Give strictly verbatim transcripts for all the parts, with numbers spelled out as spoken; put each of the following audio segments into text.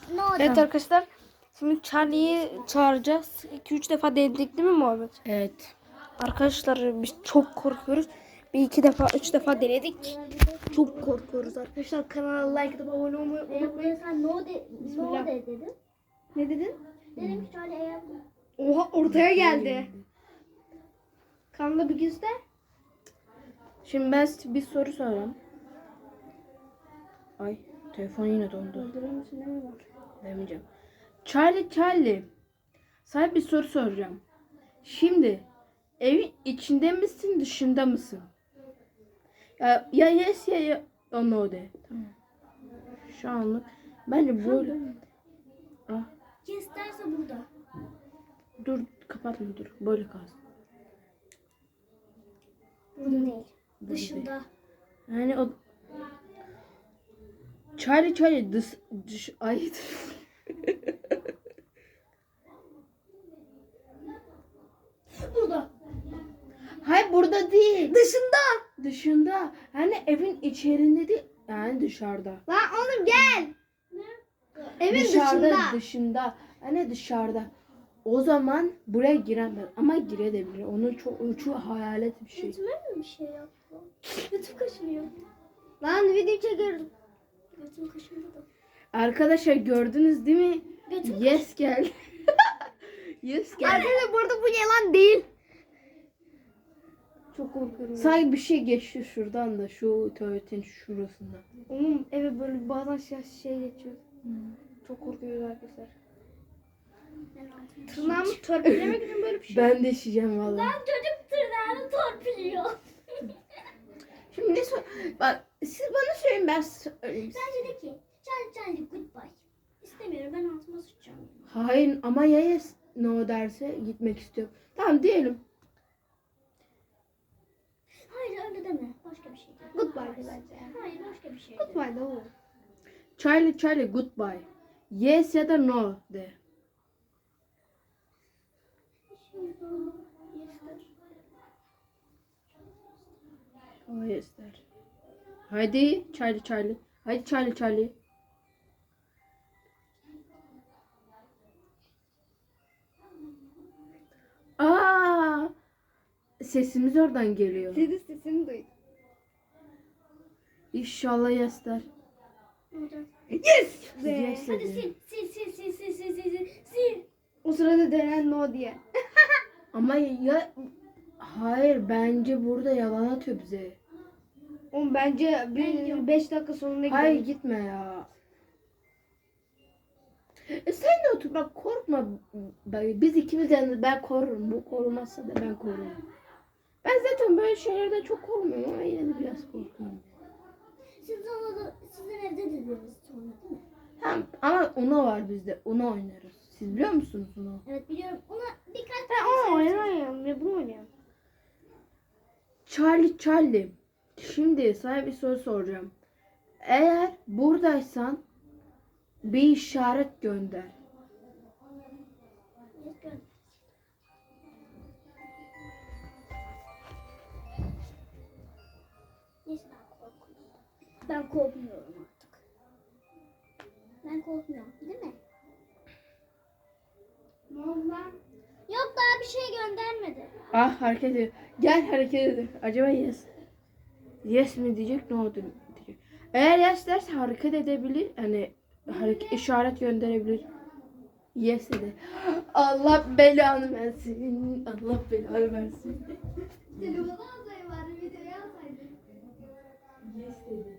Ne oldu? Evet arkadaşlar. Şimdi Charlie'yi çağıracağız. iki üç defa denedik değil mi Muhammed? Evet. Arkadaşlar biz çok korkuyoruz. Bir iki defa, üç defa denedik. Çok korkuyoruz arkadaşlar. Kanala like atıp abone olmayı unutmayın. Sen no de, Bismillah. no de dedin. Ne dedin? Dedim ki şöyle eğer Oha ortaya geldi. Kanala bir göster. Şimdi ben size bir soru sorayım. Ay telefon yine dondu. Öldürür müsün değil mi bak? Demeyeceğim. Charlie Charlie. Sana bir soru soracağım. Şimdi evin içinde misin dışında mısın? Ya, ya yes ya, ya no de. Tamam. Şu anlık bence böyle. Ah, kes derse burada. dur kapatma dur. Böyle kalsın. Burada değil. Burada Dışında. Yani o Charlie Charlie dış, dış ay Burada. hayır burada değil. Dışında. Dışında. Hani evin içerisinde değil. Yani dışarıda. Lan oğlum gel. Evin dışarıda, dışında. dışında. Hani dışarıda. O zaman buraya giremez. Ama girebilir. Onun çok, onun çok hayalet bir şey. Götüme mi bir şey yaptı? Götüm kaşınıyor. Lan video çekiyorum. Götüm kaşındı da. Arkadaşlar gördünüz değil mi? Götüm Yes geldi. Yes geldi. Arkadaşlar burada bu yalan değil. Çok korkuyorum. Sanki bir şey geçti şuradan da. Şu tuvaletin şurasında. Onun eve böyle bazen şey, şey geçiyor. Çok korkuyoruz arkadaşlar. Tırnağımı törpülemek için böyle bir şey. Ben de şişeceğim valla. Ben çocuk tırnağını torpiliyor. Şimdi ne sor... Bak siz bana söyleyin ben size söyleyeyim. Bence de ki Charlie Charlie goodbye. İstemiyorum ben altıma sıçacağım. Hayır ama ya yes no derse gitmek istiyorum. Tamam diyelim. Hayır öyle deme. Başka bir şey de. Goodbye de bence. Hayır başka bir şey de. Goodbye de olur. Charlie Charlie goodbye. Yes ya da no de. O yes der. Haydi Charlie Charlie. Haydi Charlie Charlie. Aa! Sesimiz oradan geliyor. Senin sesini duydum. İnşallah yes der. Yes! Be. Yes Hadi dedi. sil sil sil sil sil sil sil sil sil. O sırada denen no diye. Ama ya hayır bence burada yalan atıyor bize. Oğlum bence bir beş dakika sonunda Hayır gidelim. gitme ya. E sen de otur bak korkma. Bak, biz ikimiz yani ben korurum. Bu korumazsa da ben korurum. Ben zaten böyle şeylerden çok korkmuyorum ama yine de biraz korkuyorum. Siz ona da sizin evde dediniz sonra değil mi? Tamam ama Uno var bizde. Uno oynarız. Siz biliyor musunuz Uno? Evet biliyorum. Ona birkaç Ben onu oynayamıyorum ve bunu oynayamam. Charlie Charlie. Şimdi sana bir soru soracağım. Eğer buradaysan bir işaret gönder. Neyse ben korkmuyorum. Ben korkmuyorum artık. Ben korkmuyorum değil mi? Ne oldu lan? Yok daha bir şey göndermedi. Ah hareket ediyor. Gel hareket ediyor. Acaba yes. Yes mi diyecek ne oldu diyecek. Eğer yes derse hareket edebilir. Hani hareket, işaret gönderebilir. Yes dedi. Allah belanı versin. Allah belanı versin. Telefonu alsaydı bari videoyu alsaydı. Yes dedi.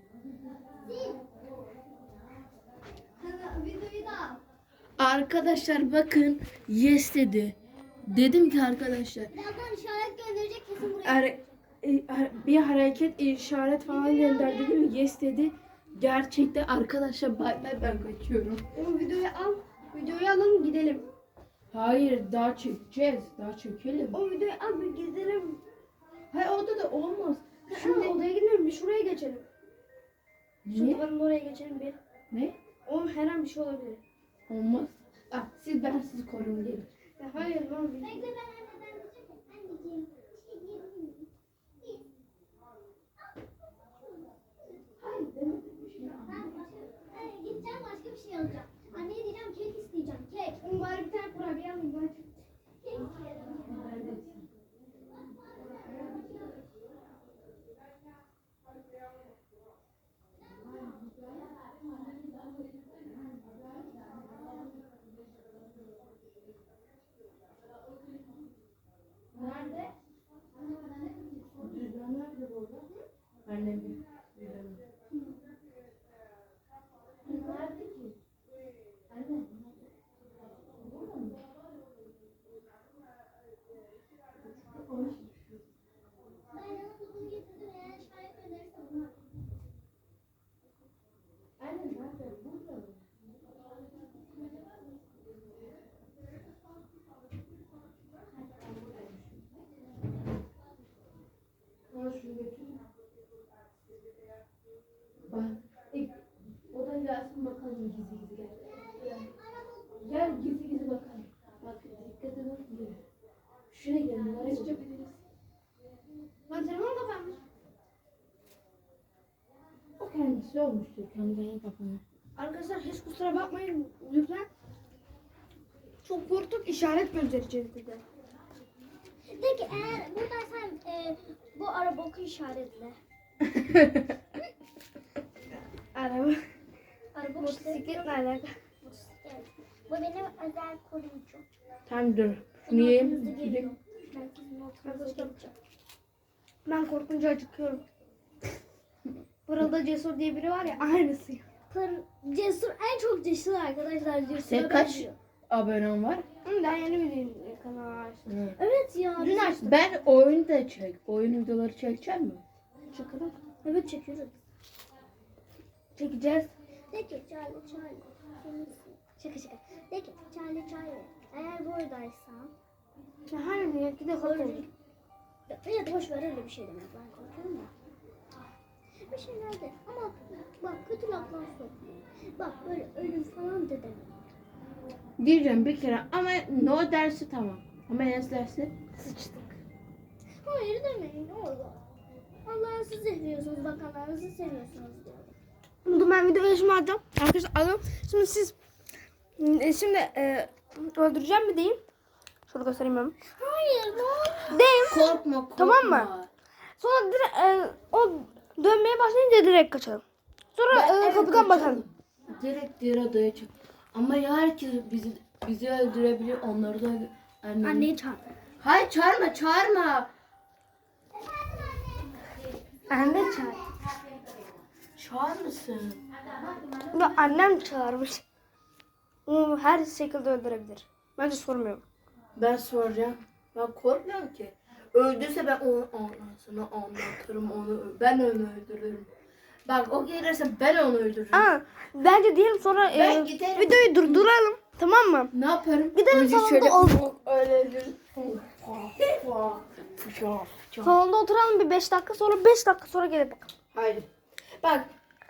Hadi videoyu da al. Arkadaşlar bakın yes dedi. Dedim ki arkadaşlar Birazdan işaret gönderecek kesin buraya. er, e, er- bir hareket işaret falan gönder dedim yes dedi. Gerçekten arkadaşlar bay bay ben kaçıyorum. Oğlum videoyu al. Videoyu alalım gidelim. Hayır daha çekeceğiz. Daha çekelim. O videoyu al bir gidelim. Hayır orada da olmaz. Şimdi Şimdi odaya gidelim bir şuraya geçelim. Şu niye? duvarın oraya geçelim bir. Ne? Oğlum her an bir şey olabilir. Olmaz. Ah, siz ben sizi koruyun gelin. Ya hayır lan. Bekle ben anneden diyeceğim. Anneciğim bir şey diyebilir miyim? Hayır demedim. Ben başka, Ay, gideceğim başka bir şey alacağım. Anneye kusura bakmayın lütfen. Çok korktuk, işaret göndereceğiz bir de. De ki eğer buradaysan e, bu araba oku işaretle. Araba. Araba Motosikletle alakalı. Motosiklet. Bu benim özel koruyucum. Tamam dur. Şunu Hızlı yiyeyim. geliyor. Gideyim. Herkesin ortamızda gelecek. Ben korkunca acıkıyorum. Burada Cesur diye biri var ya, aynısı. Pır, cesur en çok cesur arkadaşlar. Cesur'a Senin kaç benziyor. abonen var? Hı, daha yeni bir kanal açtım. Hı. Evet ya. Dün açtım. Ben oyun da çek. Oyun videoları çekecek mi? Çıkalım. Evet çekiyoruz. Çekeceğiz. De ki Charlie Charlie. Kimsin? Şaka şaka. De ki Charlie Charlie. Eğer buradaysan. Ya hayır ya, bir de korkuyorum. Ya da boş ver öyle bir şey demek. Ben korkuyorum ya. Bir şeyler de ama bak kötü laflar sokma. Bak böyle ölüm falan de deme. Diyeceğim bir kere ama no dersi tamam. Ama yes dersi Sıçtık. Hayır demeyin ne olur. Allah'ı siz seviyorsunuz, bakanlarınızı seviyorsunuz diyorum. Bunu ben video yaşımı alacağım. Arkadaşlar alın. Şimdi siz e, şimdi e, öldüreceğim mi diyeyim? Şöyle göstereyim ben. Hayır ne olur. Deyim. korkma korkma. Tamam mı? Sonra direkt e, o dönmeye başlayınca direkt kaçalım. Sonra Ben- e, evet, kapıdan kaçalım. bakalım. Direkt diğer odaya çık. Ama ya herkes bizi bizi öldürebilir, onları da annem. Anneyi çağır. Hayır çağırma çağırma. Anne çağır. Çağır mısın? Ya annem çağırmış. Onu her şekilde öldürebilir. Bence sormuyorum. Ben soracağım. Ben korkmuyorum ki. Öldürse ben onu anasını anlatırım onu. Ben onu öldürürüm. Bak o gelirse ben onu öldürürüm. Aa, bence diyelim sonra e, Ben giderim. videoyu durduralım. Tamam mı? Ne yaparım? Gidelim Önce salonda şöyle ol- öyle öldürürüm. Salonda oturalım bir beş dakika, sonra beş dakika sonra gelip bakalım. Hayır. Bak.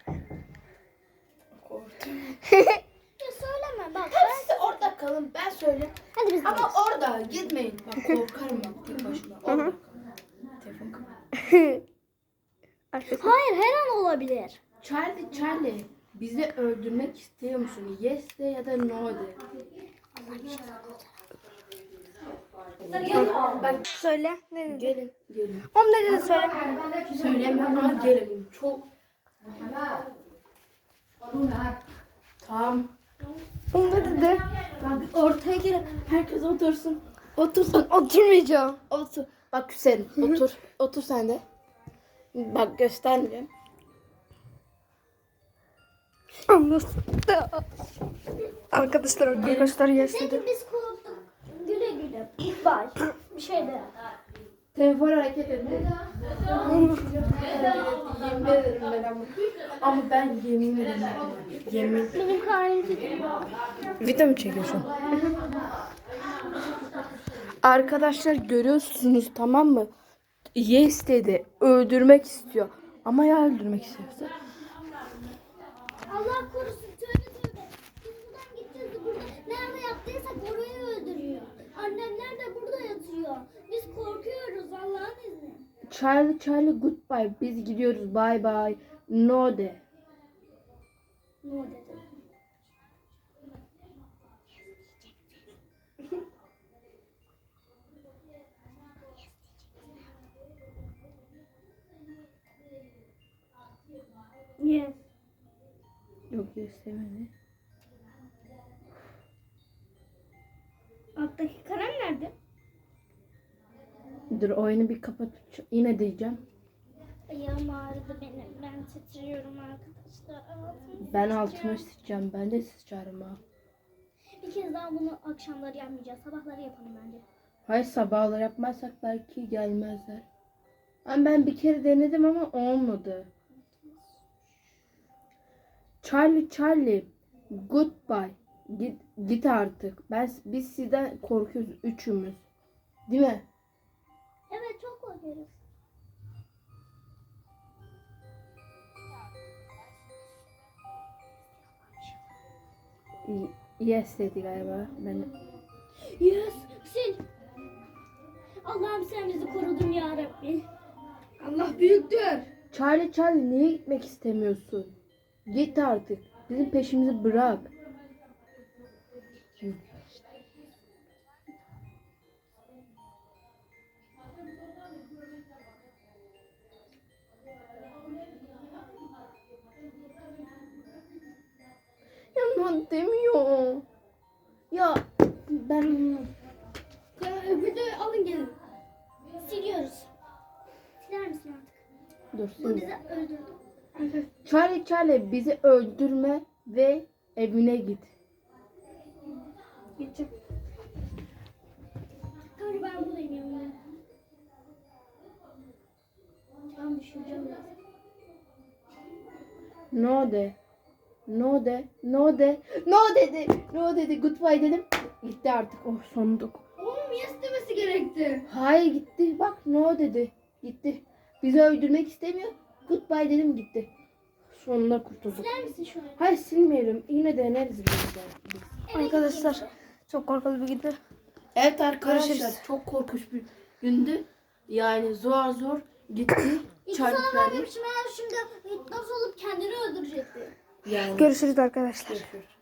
Korktum. Ya söyleme bak. Hepsi orada kalın. Ben söyleyeyim. Hadi biz Ama orada gitmeyin. Bak korkarım ben tek başıma. Orada kalın. Telefon kapat. Arkadaşlar. Hayır her an olabilir. Charlie, Charlie. Bizi öldürmek istiyor musun? Yes de ya da no de. Bak Söyle. Ne dedi? gelin, gelin. On ne dedi söyle. Söylemiyorum ama gelin. Çok. Tamam. On ne dedi? Bak ortaya gelin. Herkes otursun. Otursun. Oturmayacağım. Otur. Bak Hüseyin otur. Otur sen de. Bak göstermeyeceğim. Anlasın. Arkadaşlar arkadaşlar yes dedi. Peki biz korktuk. Güle güle. Bye. Bir şey de. Telefon hareket ediyor. Yemin ederim ben ama. Ama ben yemin ederim. Yemin. Benim karnım titriyor. Video mu çekiyorsun? Arkadaşlar görüyorsunuz tamam mı? Yes dedi. Öldürmek istiyor. Ama ya öldürmek istiyorsa? Allah korusun tövbe tövbe. Biz buradan gideceğiz de burada nerede yaptıysak orayı öldürüyor. Annemler de burada yatıyor. Biz korkuyoruz Allah'ın izni. Charlie Charlie goodbye. Biz gidiyoruz. Bye bye. No de. Ne dedi? Yes. Yok yes demedi. Alttaki kalem nerede? Dur oyunu bir kapat. Yine diyeceğim. Ayağım ağrıdı benim. Ben titriyorum arkadaşlar. Ağzım Ben titriyor. altıma sıçacağım. Ben de sıçarım ha. Bir kez daha bunu akşamları yapmayacağız. Sabahları yapalım bence. Hayır sabahları yapmazsak belki gelmezler. Ama ben bir kere denedim ama olmadı. Charlie Charlie goodbye. Git git artık. Ben biz sizden korkuyoruz üçümüz. Değil mi? Evet çok korkuyoruz. Y- Yes dedi galiba. Ben Yes. Sil. Allah'ım sen bizi korudun ya Rabbi. Allah büyüktür. Charlie Charlie niye gitmek istemiyorsun? Git artık. Bizim peşimizi bırak. Yaman demiyor. Ya ben onu... Ya öbürü alın gelin. Siliyoruz. Siler misin artık? Dur Bu şimdi. bizi öldürdü. Charlie Charlie bizi öldürme ve evine git. Gideceğim. Kanka ben buradayım yanımda. Ben düşüreceğim biraz. No de. No de. No de. No dedi. No dedi. Goodbye dedim. Gitti artık. Oh sonduk. Oğlum ya istemesi gerekti. Hayır gitti. Bak no dedi. Gitti. Bizi öldürmek istemiyor. Goodbye dedim gitti. Sonunda kurtulduk. Siler misin şu an? Hayır silmeyelim. Yine deneriz biz de. biz. Arkadaşlar çok korkulu bir gündü. Evet arkadaşlar Görüşürüz. çok korkunç bir gündü. Yani zor zor gitti. İki Charlie sana Charlie. vermemişim eğer şimdi nasıl olup kendini öldürecekti. Yani Görüşürüz arkadaşlar. görüşürüz.